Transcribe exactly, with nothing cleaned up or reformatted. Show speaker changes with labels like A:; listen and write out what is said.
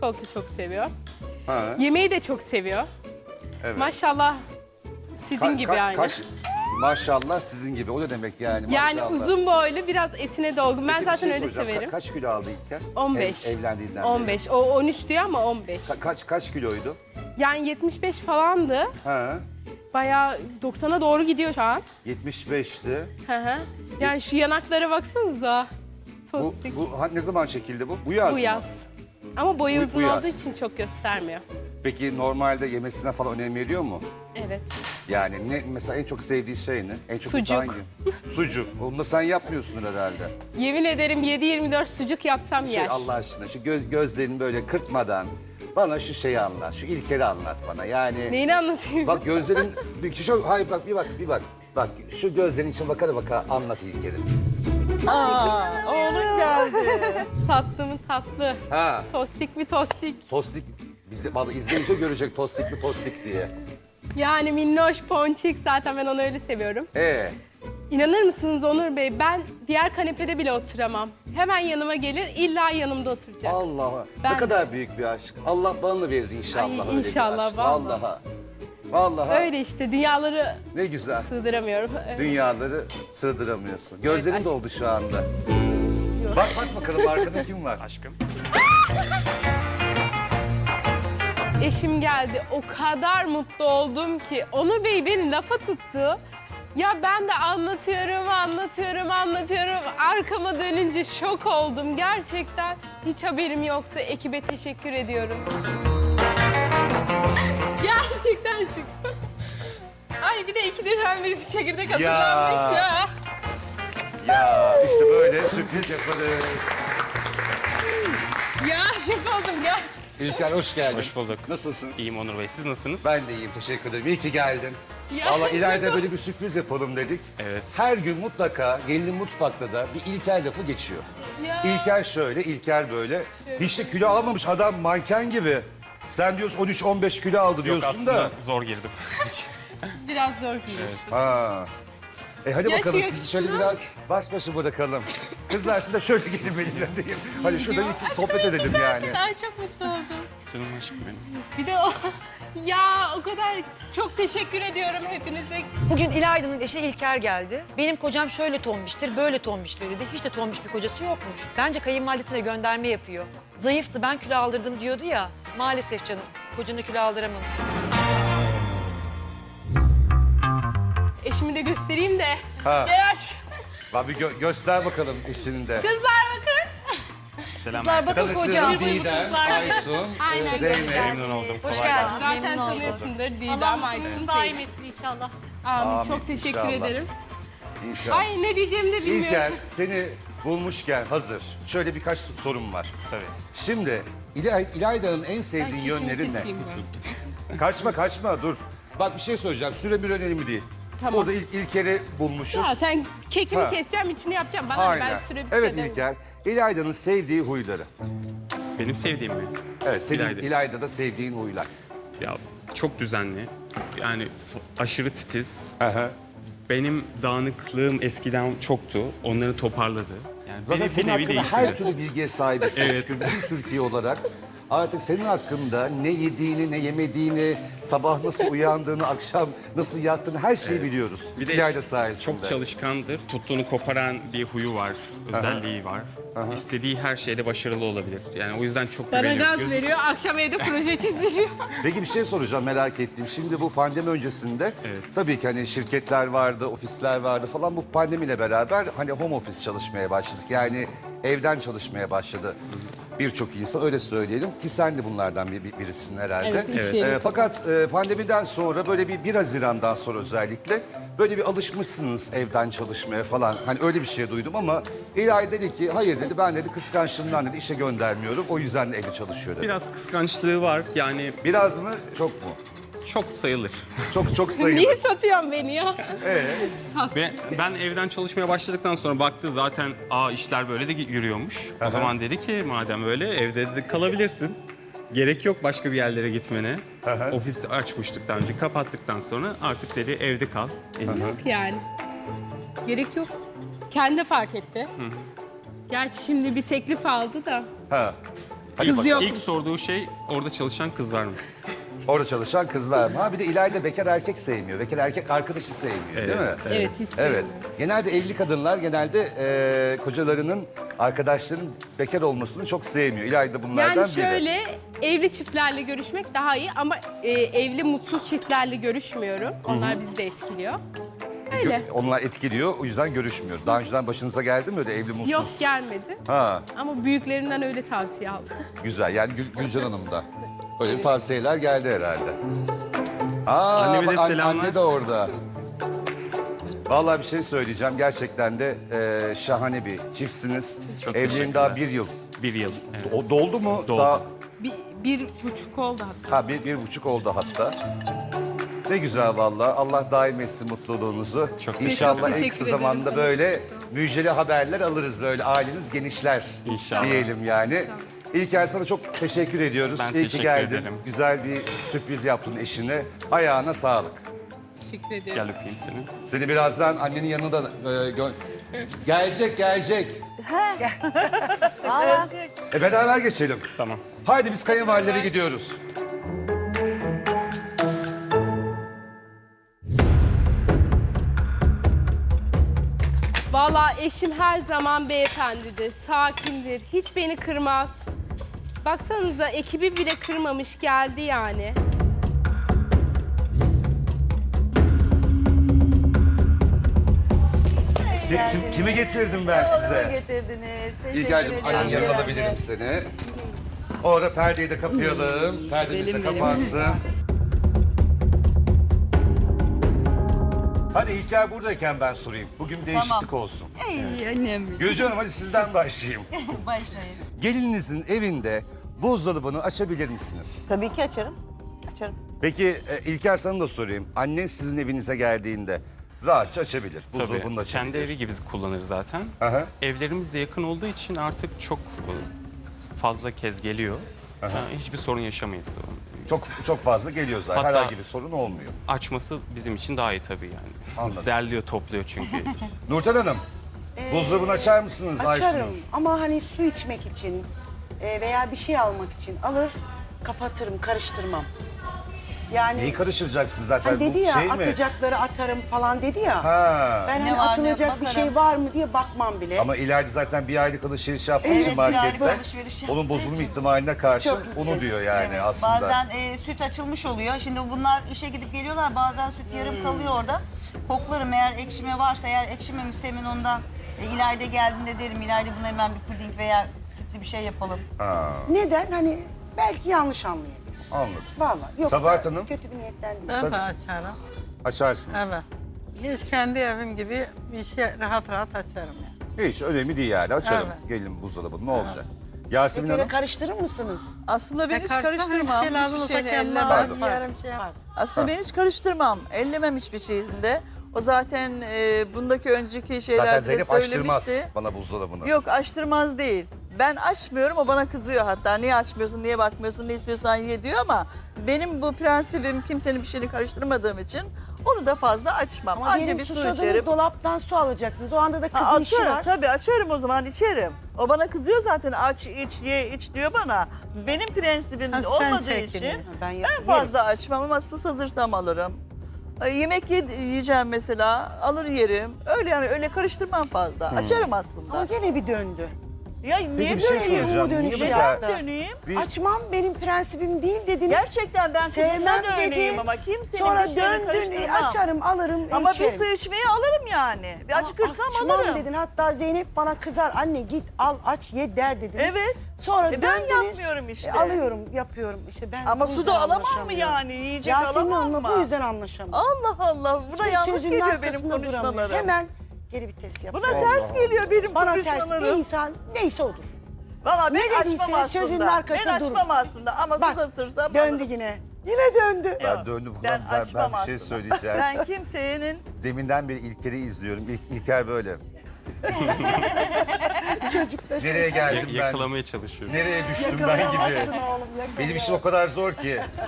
A: çikolata çok seviyor.
B: Ha.
A: Yemeği de çok seviyor.
B: Evet.
A: Maşallah sizin
B: Ka-
A: gibi
B: ka-
A: yani.
B: Kaç, maşallah sizin gibi. O ne demek yani?
A: Yani
B: maşallah.
A: uzun boylu, biraz etine dolgun. Ben
B: Peki, bir
A: zaten
B: şey
A: öyle
B: soracağım. Ka-
A: severim.
B: kaç kilo aldı İlker?
A: on beş.
B: Ev, evlendiğinden beri.
A: on beş. O on üç diyor ama on beş.
B: Ka- kaç kaç kiloydu?
A: Yani yetmiş beş falandı.
B: Ha.
A: Bayağı doksana doğru gidiyor şu an.
B: yetmiş beşti.
A: Hı hı. Yani şu yanaklara baksanıza.
B: Bu,
A: Tostik. Bu,
B: bu ha, ne zaman çekildi bu? Bu yaz mı?
A: yaz. Ama boyu
B: Bu- bu
A: uzun
B: yaz.
A: olduğu için çok göstermiyor.
B: Peki normalde yemesine falan önem veriyor mu?
A: Evet.
B: Yani ne mesela en çok sevdiği şey ne? En çok
A: Sucuk.
B: hangi? Sucuk. Onu da sen yapmıyorsundur herhalde.
A: Yemin ederim yedi yirmi dört sucuk yapsam
B: Şey
A: yer.
B: Allah aşkına şu göz, gözlerini böyle kırpmadan bana şu şeyi anlat. Şu İlker'i anlat bana. Yani
A: Neyini anlatayım?
B: bak gözlerin bir şu hayır bak bir bak bir bak. Bak şu gözlerin için bakara baka anlat İlker'i.
C: Aa, oğlum geldi.
A: Tatlı mı tatlı?
B: Ha.
A: Tostik mi tostik?
B: Tostik bizi vallahi izleyince görecek tostik mi tostik diye.
A: Yani minnoş, ponçik, zaten ben onu öyle seviyorum.
B: Ee,
A: İnanır mısınız Onur Bey, ben diğer kanepede bile oturamam. Hemen yanıma gelir, illa yanımda oturacak.
B: Allah
A: Ben-
B: ne kadar büyük bir aşk. Allah bana da verir inşallah
A: Ay,
B: öyle
A: inşallah,
B: bir aşk.
A: vallahi.
B: Vallahi. Vallahi.
A: Öyle işte, dünyaları
B: Ne güzel.
A: sığdıramıyorum.
B: Dünyaları sığdıramıyorsun. Gözlerin
A: aşk.
B: doldu şu anda. Bak bak bakalım arkada kim var?
D: Aşkım.
A: Eşim geldi, o kadar mutlu oldum ki. Onur Bey beni lafa tuttu. Ya ben de anlatıyorum, anlatıyorum, anlatıyorum. Arkama dönünce şok oldum. Gerçekten hiç haberim yoktu. Ekibe teşekkür ediyorum. Gerçekten şok. Ay bir de iki dirhem bir çekirdek hazırlanmış ya.
B: Ya işte böyle sürpriz yaparız.
A: Ya şok oldum gerçekten.
B: İlker hoş geldin.
D: Hoş bulduk.
B: Nasılsın?
D: İyiyim Onur Bey. Siz nasılsınız?
B: Ben de iyiyim teşekkür ederim. İyi ki geldin.
A: Ya,
B: Allah ileride
A: çok-
B: böyle bir sürpriz yapalım dedik.
D: Evet.
B: Her gün mutlaka gelinin mutfakta da bir İlker lafı geçiyor.
A: Ya.
B: İlker şöyle, İlker böyle. Hiç de kilo almamış adam manken gibi. Sen diyorsun on üç on beş kilo aldı
D: Yok,
B: diyorsun
D: aslında
B: da.
D: zor girdim.
A: Biraz zor geliyor.
B: Ha. E hadi
A: Yaşıyor
B: bakalım sizi şöyle
A: kızım.
B: biraz baş başa bırakalım. Kızlar size şöyle gelin benimle diyeyim. Hadi şurada
A: Ya,
B: bir
A: ay,
B: sohbet
A: çok
B: edelim
A: güzel.
B: yani.
A: Ay çok mutlu oldum.
D: Canım aşkım benim.
A: Bir de o... Ya o kadar çok teşekkür ediyorum hepinize.
E: Bugün İlayda'nın eşi İlker geldi. Benim kocam şöyle tombiştir, böyle tombiştir dedi. Hiç de tombiş bir kocası yokmuş. Bence kayınvalidesine gönderme yapıyor. Zayıftı, ben kilo aldırdım diyordu ya. Maalesef canım, kocanı kilo aldıramamışsın.
A: Eşimi de göstereyim de.
B: Ha.
A: Gel aşkım.
B: Bak bir gö- göster bakalım eşini de.
A: Kızlar bakın.
D: Selam.
E: Kızlar bakın
B: Tanıştırdım
E: kocam.
B: Didem,
A: Kızlar.
B: Aysun,
A: Aynen.
B: e, Zeynep.
D: Memnun oldum.
E: Hoş
D: Kolay
E: geldin.
D: gelsin.
A: Zaten
E: Memnun oldum.
A: tanıyorsundur Didem,
F: Allah
A: Aysun,
F: mutluluğunu daim
A: Zeynep.
F: etsin inşallah.
A: Amin.
B: Amin,
A: Çok teşekkür
B: inşallah.
A: ederim.
B: İnşallah.
A: Ay ne diyeceğimi de bilmiyorum.
B: İlker seni bulmuşken hazır. Şöyle birkaç sorum var.
D: Tabii.
B: Şimdi İlay, İlayda'nın en sevdiğin
A: Ay,
B: yönleri
A: kekimi
B: ne?
A: keseyim ben.
B: Kaçma kaçma dur. Bak bir şey söyleyeceğim. Süre bir önemli değil.
A: Tamam.
B: Orada İl, İlker'i bulmuşuz.
A: Ya sen kekimi
B: Ha.
A: keseceğim, içini yapacağım. Bana ne,
B: Aynen.
A: ben süre
B: Evet
A: bitmeden-
B: İlker. İlayda'nın sevdiği huyları.
D: Benim sevdiğim mi?
B: Evet senin
D: İlayda.
B: İlayda'da sevdiğin huylar.
D: Ya çok düzenli. Yani f- aşırı titiz.
B: Aha.
D: Benim dağınıklığım eskiden çoktu. Onları toparladı. Yani
B: Zaten
D: bir,
B: senin
D: bir nevi
B: hakkında
D: değiştirdi.
B: her türlü bilgiye sahibiz. çok şükür. Bütün Türkiye olarak artık senin hakkında ne yediğini, ne yemediğini, sabah nasıl uyandığını, akşam nasıl yattığını her şeyi biliyoruz.
D: Bir de
B: İlayda sayesinde.
D: çok çalışkandır. Tuttuğunu koparan bir huyu var. Özelliği var. İstediği her şeyde başarılı olabilir. Yani o yüzden çok
A: Bana
D: güveniyorum.
A: gaz
D: Göz-
A: veriyor, akşam evde proje çizdiriyor.
B: Peki bir şey soracağım merak ettiğim. Şimdi bu pandemi öncesinde tabii ki hani şirketler vardı, ofisler vardı falan. Bu pandemiyle beraber hani home office çalışmaya başladık. Yani evden çalışmaya başladı birçok insan öyle söyleyelim. Ki sen de bunlardan bir, bir- birisin herhalde.
A: Evet, iş yeri
B: Ee, fakat e, pandemiden sonra böyle bir bir Haziran'dan sonra özellikle böyle bir alışmışsınız evden çalışmaya falan. Hani öyle bir şey duydum ama İlahi dedi ki hayır dedi ben dedi kıskançlığımdan dedi işe göndermiyorum. O yüzden de evde çalışıyor dedi.
D: Biraz kıskançlığı var. Yani
B: Biraz mı çok mu?
D: çok sayılır.
B: Çok çok sayılır.
A: Niye satıyorsun beni ya?
D: Ve ben evden çalışmaya başladıktan sonra baktı zaten aa işler böyle de yürüyormuş. O zaman dedi ki madem öyle evde dedi kalabilirsin. Gerek yok başka bir yerlere gitmene. Ofis açmıştık daha önce kapattıktan sonra artık dedi evde kal en iyisi.
A: Yani. Gerek yok. Kendi fark etti. Gerçi şimdi bir teklif aldı da.
B: Ha.
D: Hayır, bak,
A: yok.
D: ilk sorduğu şey orada çalışan kız var mı?
B: Orada çalışan kızlar mı? Ha bir de İlayda bekar erkek sevmiyor. Bekar erkek arkadaşı sevmiyor değil mi?
A: Evet, hiç
B: Evet.
A: sevmiyorum.
B: Genelde evli kadınlar genelde e, kocalarının, arkadaşların bekar olmasını çok sevmiyor. İlayda bunlardan
A: Yani
B: biri.
A: şöyle evli çiftlerle görüşmek daha iyi ama e, evli mutsuz çiftlerle görüşmüyorum. Onlar bizi de etkiliyor. Öyle.
B: Gö- Onlar etkiliyor, o yüzden görüşmüyor. Daha önceden başınıza geldi mi öyle evli mutsuz?
A: Yok gelmedi.
B: Ha,
A: Ama büyüklerinden öyle tavsiye aldım.
B: güzel. Yani Gül, Gülcan Hanım da. Öyle bir tavsiyeler geldi herhalde. Aa,
D: Anneme de
B: bak, an-
D: selamlar.
B: anne de orada. Vallahi bir şey söyleyeceğim. Gerçekten de e, şahane bir çiftsiniz.
D: Çok
B: Evliliğin
D: teşekkürler.
B: daha bir yıl.
D: Bir yıl. Evet.
B: O doldu mu?
D: Doldu.
B: Daha,
A: Bir, bir buçuk oldu hatta.
B: ha bir, bir buçuk oldu hatta. Ne güzel vallahi. Allah daim etsin mutluluğunuzu.
D: Çok
B: İnşallah
A: teşekkür
B: en
A: ederim.
B: kısa zamanda böyle müjdeli haberler alırız. Böyle aileniz genişler
D: İnşallah.
B: diyelim yani. İlker sana çok teşekkür ediyoruz.
D: Ben
B: İyi ki
D: teşekkür
B: geldin.
D: ederim.
B: Güzel bir sürpriz yaptın eşine. Ayağına sağlık.
A: Teşekkür ederim.
D: Gel öpeyim seni.
B: Seni birazdan annenin yanına da e, gö- gelecek gelecek. e beraber geçelim.
D: Tamam.
B: Haydi biz kayınvalilere gidiyoruz.
A: Vallahi eşim her zaman beyefendidir, sakindir. Hiç beni kırmaz. Baksanıza ekibi bile kırmamış geldi yani.
B: Ki- kim- kimi getirdim ben size?
F: getirdiniz. Teşekkür
B: İlker'cim
F: ederim.
B: annenin yanına alabilirim seni. Orada perdeyi de kapayalım. Perdemiz de kapansın. Hadi İlker buradayken ben sorayım. Bugün değişiklik olsun.
F: Ey annem.
B: Gülcan Hanım hadi sizden başlayayım.
F: Başlayın.
B: Gelininizin evinde buzdolabını açabilir misiniz?
F: Tabii ki açarım. Açarım.
B: Peki e, İlker sana da sorayım. Annen sizin evinize geldiğinde rahatça açabilir. Buzdolabını da
D: Tabii.
B: açabilir.
D: Kendi evi gibi kullanır zaten.
B: Aha.
D: Evlerimiz de yakın olduğu için artık çok fazla kez geliyor. Ha, hiçbir sorun yaşamayız.
B: Çok çok fazla geliyor zaten.
D: Hatta-
B: Herhangi bir sorun olmuyor.
D: Açması bizim için daha iyi tabii yani.
B: Anladım.
D: Derliyor, topluyor çünkü.
B: Nurten Hanım, buzdolabını açar mısınız Aysun'u?
G: Açarım ama hani su içmek için e, veya bir şey almak için alır kapatırım, karıştırmam. Yani
B: Neyi karıştıracaksın zaten?
G: hani dedi
B: Bu
G: ya
B: şey mi?
G: atacakları atarım falan dedi ya.
B: Ha.
G: Ben
F: Ne
G: hani
F: var, ne
G: atılacak bir
F: bakarım.
G: şey var mı diye bakmam bile.
B: Ama İlayda zaten bir aylık alışveriş yaptığı
F: Evet,
B: için
F: bir aylık
B: markette
F: alışveriş yaptığı
B: onun bozulma
F: için.
B: ihtimaline karşı
G: Çok yüksek.
B: onu diyor yani
F: Evet,
B: aslında.
F: Bazen e, süt açılmış oluyor. Şimdi bunlar işe gidip geliyorlar. Bazen süt yarım
B: Hmm.
F: kalıyor orada. Koklarım eğer ekşime varsa, eğer ekşimemişse hemen ondan e, İlayda geldiğinde derim. İlayda buna hemen bir puding veya sütlü bir şey yapalım.
G: Neden? Hani belki yanlış anlayabilir.
B: Anladım.
G: Vallahi yoksa
B: Sabahat Hanım?
G: kötü bir niyetten değil.
H: Ben de açarım.
B: Açarsınız.
H: Evet. Hiç kendi evim gibi bir şey rahat rahat açarım yani.
B: Hiç önemli değil yani. Açarım.
H: Evet.
B: Gelin buzdolabı ne olacak? Yasemin
G: Peki öyle
B: Hanım.
G: karıştırır mısınız?
I: Aslında ben
H: E,
I: hiç
H: karşıdan
I: karıştırmam.
H: Bir şey lazım
I: Hiçbir
H: olsa
I: şeyini
H: kendime
I: ellemem.
H: alıp yerim şey yaparım.
I: Aslında ben hiç karıştırmam. Ellemem hiçbir şeyinde. O zaten e, bundaki önceki
B: Zaten
I: şeylerde de
B: Zeynep açtırmaz
I: söylemişti.
B: bana buzdolabını.
I: Yok açtırmaz değil. Ben açmıyorum, o bana kızıyor hatta. Niye açmıyorsun, niye bakmıyorsun, ne istiyorsan ye diyor ama benim bu prensibim kimsenin bir şeyini karıştırmadığım için onu da fazla açmam.
G: Ama
I: Anca
G: diyelim
I: bir su
G: susadınız,
I: içerim.
G: dolaptan su alacaksınız. O anda da kızın
I: Ha,
G: işi
I: açarım
G: var.
I: tabii açarım o zaman içerim. O bana kızıyor zaten aç iç ye iç diyor bana. Benim prensibim
H: Ha, sen
I: olmadığı
H: çekini.
I: için
G: Ha, ben
I: ben,
G: yerim.
I: fazla açmam ama sus hazırsam alırım. Ay, Yemek ye- yiyeceğim mesela alır yerim. Öyle yani öyle karıştırmam fazla. Açarım aslında.
G: Ama gene bir döndü.
I: Ya niye
B: Peki bir şey
I: döneyim?
B: soracağım. Niye
G: dönüşü
B: mesela
G: yaptı.
I: Döneyim.
B: bir
G: Açmam benim prensibim değil dediniz.
I: Gerçekten ben kızımla
G: Sevmem
I: döneyim
G: dedi.
I: ama kimsenin
G: Sonra
I: bir şeyini
G: döndün,
I: karıştırmam.
G: açarım, alırım,
I: Ama
G: içerim.
I: bir su içmeyi alırım yani. Bir
G: Ama
I: acıkırsam
G: açmam
I: alırım.
G: dedin. Hatta Zeynep bana kızar. Anne git al aç ye der dediniz.
I: Evet.
G: Sonra
I: E ben
G: döndünüz.
I: yapmıyorum işte.
G: E, alıyorum, yapıyorum. İşte ben
I: Ama
G: bu
I: su
G: yüzden
I: da alamam mı
G: anlaşamıyorum.
I: yani? Yiyecek
G: Yasemin
I: alamam
G: Hanım'la
I: mı?
G: bu yüzden anlaşamıyorum.
I: Allah Allah. Bu da
G: İşte
I: yanlış
G: sözünün
I: geliyor benim
G: arkasında duramıyor.
I: konuşmalarım.
G: Hemen geri vites yapıyor.
I: Buna ters geliyor benim
G: Bana ters. Bir
I: konuşmalarım.
G: insan neyse odur.
I: Valla
G: Ne
I: ben
G: dediyse
I: açmam
G: sözünün
I: aslında.
G: arkasında
I: Ben açmam
G: durun.
I: aslında ama
G: Bak,
I: susatırsam
G: döndü
I: alırım.
G: yine. Yine döndü.
B: ben
I: Yok,
B: döndüm
I: ben
B: ben, ben,
I: açmam
B: bir şey
I: aslında.
B: söyleyeceğim.
I: Ben kimsenin
B: Deminden beri İlker'i izliyorum. İlk, İlker böyle. Nereye geldim
D: Ya-
B: ben?
D: yakalamaya çalışıyorum.
B: Nereye düştüm ben gibi?
G: Yakalayamazsın oğlum,
B: Benim işim o kadar zor ki.